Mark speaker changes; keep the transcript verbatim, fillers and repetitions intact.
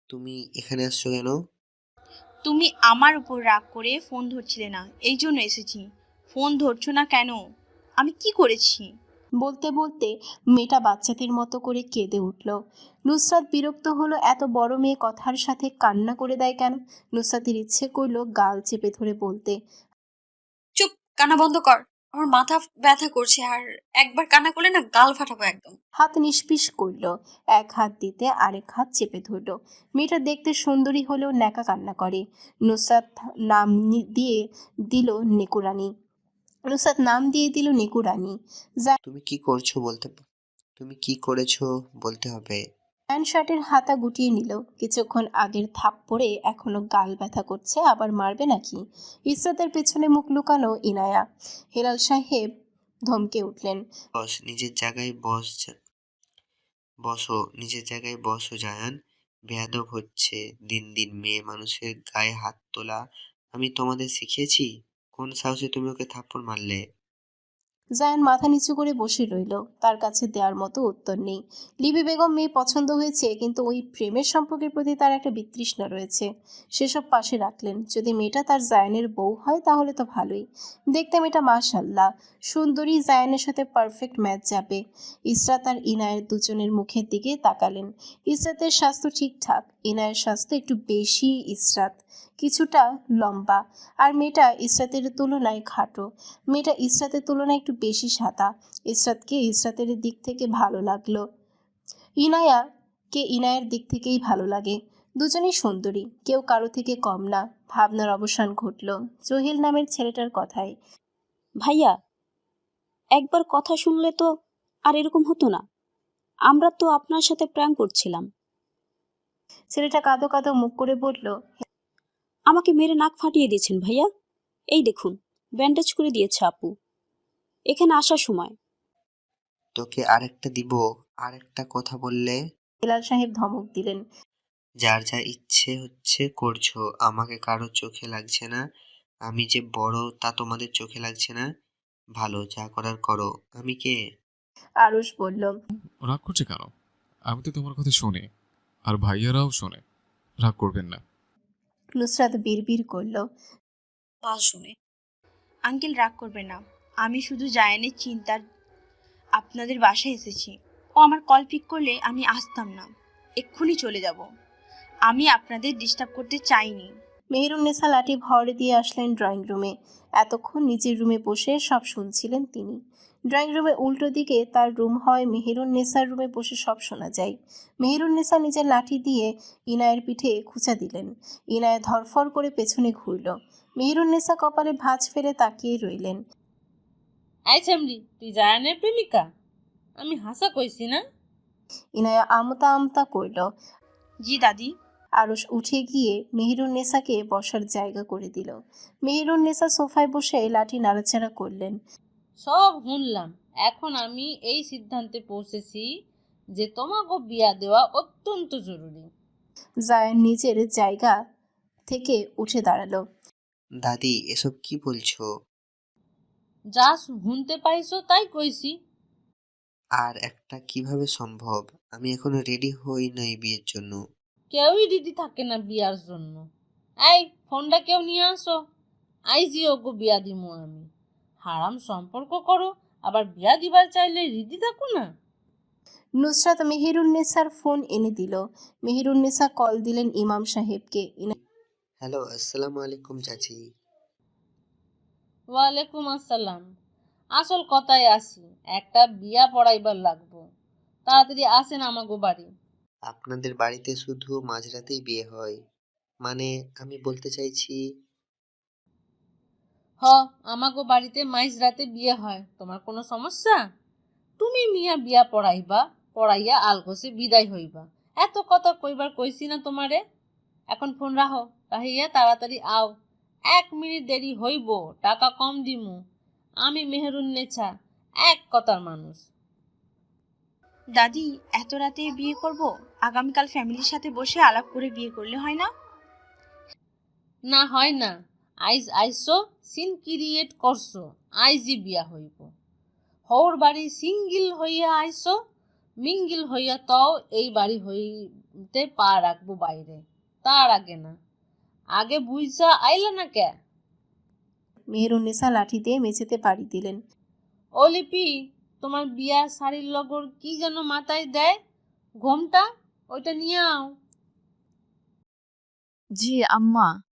Speaker 1: তুমি এখানে আসছো কেন?
Speaker 2: তুমি আমার উপর রাগ করে ফোন ধরছিলে না, এই জন্য এসেছি। ফোন ধরছো না কেন? আমি কি করেছি?
Speaker 3: বলতে বলতে মেয়েটা বাচ্চাদের মতো করে কেঁদে উঠল। নুসরাত বিরক্ত হলো, এত বড় মেয়ে কথার সাথে কান্না করে দেয় কেন। নুসরাতের ইচ্ছে করলো গাল চেপে ধরে বলতে,
Speaker 4: চুপ, কান্না বন্ধ কর। আমার মাথা ব্যথা করছে, আর একবার কান্না করলে না গাল ফাটাবো একদম।
Speaker 3: হাত নিষ্পিস করল। এক হাত দিতে আরেক হাত চেপে ধরল। মেয়েটা দেখতে সুন্দরী হলেও ন্যাকা কান্না করে। নুসরাত নাম নি- দিয়ে দিল নেকুরানি। নুসরাত নাম দিয়ে দিল নেকুরানি।
Speaker 1: তুমি কি করছো বলতে পা- তুমি কি করেছো বলতে হবে।
Speaker 3: প্যান্ট শার্টের হাতা গুটিয়ে নিল। কিছুক্ষণ আগের থাপ্পড়ে এখনো গাল ব্যথা করছে, আবার মারবে নাকি? ইসরাতের পেছনে মুখ লুকানো ইনায়া। হেলাল সাহেব ধমকে উঠলেন,
Speaker 1: বস নিজের জায়গায় বস যা- বসো নিজের জায়গায় বসো জায়ান। বেয়াদব হচ্ছে দিন দিন, মেয়ে মানুষের গায়ে হাত তোলা আমি তোমাদের শিখিয়েছি? কোন সাহসে তুমি ওকে থাপ্পড় মারলে?
Speaker 3: জায়ান মাথা নিচু করে বসে রইল। তার কাছে দেওয়ার মতো উত্তর নেই। লিবি বেগম মেয়ে পছন্দ হয়েছে, কিন্তু ওই প্রেমের সম্পর্কের প্রতি তার একটা বিতৃষ্ণা রয়েছে। সেসব পাশে রাখলেন। যদি মেয়েটা তার জায়ানের বউ হয় তাহলে তো ভালোই। দেখতে মেয়েটা মাশাল্লাহ সুন্দরী, জায়ানের সাথে পারফেক্ট ম্যাচ যাবে। ইসরাত আর ইনায়ের দুজনের মুখের দিকে তাকালেন। ইসরাতের স্বাস্থ্য ঠিকঠাক, ইনায়ের স্বাস্থ্য একটু বেশি। ইসরাত কিছুটা লম্বা, আর মেয়েটা ইসরাতের তুলনায় খাটো। মেয়েটা ইসরাতের তুলনায় একটু বেশি সাদা। ইসরাতকে ইসরাতের দিক থেকে ভালো লাগলো, ইনায়াকে ইনায়ের দিক থেকেই ভালো লাগে। দুজনেই সুন্দরী, কেউ কারো থেকে কম না। ভাবনার অবসান ঘটল জহির নামের ছেলেটার কথায়।
Speaker 5: ভাইয়া, একবার কথা শুনলে তো আর এরকম হতো না। আমরা তো আপনার সাথে প্র্যাঙ্ক করছিলাম।
Speaker 3: ছেলেটা কাঁদো কাঁদো মুখ করে বলল,
Speaker 5: আমাকে মেরে নাক ফাটিয়ে দিয়েছেন ভাইয়া। এই দেখুন, ব্যান্ডেজ করে দিয়েছে আপু এখানে আসার সময়।
Speaker 1: তোকে আরেকটা দিব, আরেকটা কথা বললে।
Speaker 3: হেলাল সাহেব ধমক দিলেন।
Speaker 1: যার যা ইচ্ছে হচ্ছে করছো, আমাকে কারো চোখে লাগছে না। আমি যে বড় তা তোমাদের চোখে লাগছে না। ভালো, যা করার করো। আমি কে?
Speaker 3: আরুষ বলল,
Speaker 6: রাগ করছে কেন? আমি তো তোমার কথা শুনি, আর ভাইয়ারাও শোনে। রাগ করবেন না।
Speaker 3: নুসরাত বিড়বিড় করল,
Speaker 4: বাল শুনে।
Speaker 2: আঙ্কেল রাগ করবে না। আমি শুধু জায়ানের চিন্তার আপনাদের বাসায় এসেছি। ও আমার কল পিক করলে আমি আসতাম না, এক্ষুনি চলে যাব। আমি আপনাদের ডিস্টার্ব করতে চাইনি।
Speaker 3: মেহেরুন্নেসা লাঠি ভর দিয়ে আসলেন ড্রয়িং রুমে। এতক্ষণ নিজের রুমে বসে সব শুনছিলেন তিনি। ড্রয়িং রুমে উল্টো দিকে তার রুম হয়, মেহেরুন্নেসার রুমে বসে সব শোনা যায়। মেহেরুন্নেসা নিজের লাঠি দিয়ে ইনায়ের পিঠে খুঁচা দিলেন। ইনায় ধরফর করে পেছনে ঘুরল। মেহেরুন্নেসা কপালে ভাঁজ ফেলে তাকিয়ে রইলেন।
Speaker 7: আই শ্যামলি, তুই জায়ানের প্রেমিকা? আমি হাসা কইছি না?
Speaker 3: ইনায়া আমতা আমতা করল।
Speaker 2: জি দাদি।
Speaker 3: আরশ উঠে গিয়ে মেহেরুন্নেসাকে বসার জায়গা করে দিল। মেহেরুন্নেসা সোফায় বসে লাঠি নাড়াচাড়া করলেন।
Speaker 7: সব শুনলাম। এখন আমি এই সিদ্ধান্তে পৌঁছেছি যে তোমাকে বিয়া দেওয়া অত্যন্ত জরুরি।
Speaker 3: জায়ান নিজের জায়গা থেকে উঠে দাঁড়ালো।
Speaker 1: দাদি, এসব কি বলছো?
Speaker 7: যা শুনতে পাইছো তাই কইছি।
Speaker 1: আর একটা কিভাবে সম্ভব? আমি এখনো রেডি হই নাই বিয়ের জন্য।
Speaker 7: কেউই রেডি থাকে না বিয়ার জন্য। এই ফোনটা কেউ নিয়ে আসো, আইজি ওকে বিয়া দিমু আমি। হারাম সম্পর্ক করো, আবার বিয়া দিবার চাইলে রেডি থাকো না।
Speaker 3: নুসরাত মেহেরুন্নেসার ফোন এনে দিল। মেহেরুন্নেসা কল দিলেন ইমাম সাহেবকে।
Speaker 1: হ্যালো, আসসালামু আলাইকুম চাচি।
Speaker 7: ওয়ালাইকুম আসসালাম। আসল কথায় আসি, একটা বিয়া পড়াইবার লাগবো। তাড়াতাড়ি আসেন আমাগো বাড়ি।
Speaker 1: আপনাদের বাড়িতে শুধু মাঝরাতেই বিয়ে হয়? মানে, আমি বলতে চাইছি।
Speaker 7: হ, আমাগো বাড়িতে মাইজ রাতে বিয়ে হয়। তোমার কোনো সমস্যা? তুমি মিয়া বিয়া পড়াইবা, পড়াইয়া আলগোসে বিদায় হইবা। এত কথা কইবার কইছি না তোমারে? এখন ফোন রাখো, রাহিয়া তাড়াতাড়ি আও। এক মিনিট দেরি হইব, টাকা কম দিমু। আমি মেহেরুন্নেছা, এক কথার মানুষ।
Speaker 2: দাদি, এত রাতে বিয়ে করব? আগামীকাল ফ্যামিলির সাথে বসে আলাপ করে বিয়ে করলে হয় না?
Speaker 7: না হয় না। আইজ আইসো, সিন ক্রিয়েট করছো, আইজি বিয়া হইব। হওর বাড়ি সিঙ্গিল হইয়া আইসো, মিঙ্গিল হইয়া তও এই বাড়ি হইতে পা রাখবো বাইরে, তার আগে না। আগে বুঝা আইলা না কে?
Speaker 3: মেহেরুন্নেসা লাঠি দিয়ে মেঝেতে বাড়ি দিলেন।
Speaker 7: ও লিপি, তোমার বিয়ার শাড়ির লগর কি যেন মাথায় দেয় ঘোমটা, ওইটা নিয়ে আও।
Speaker 8: জি আম্মা।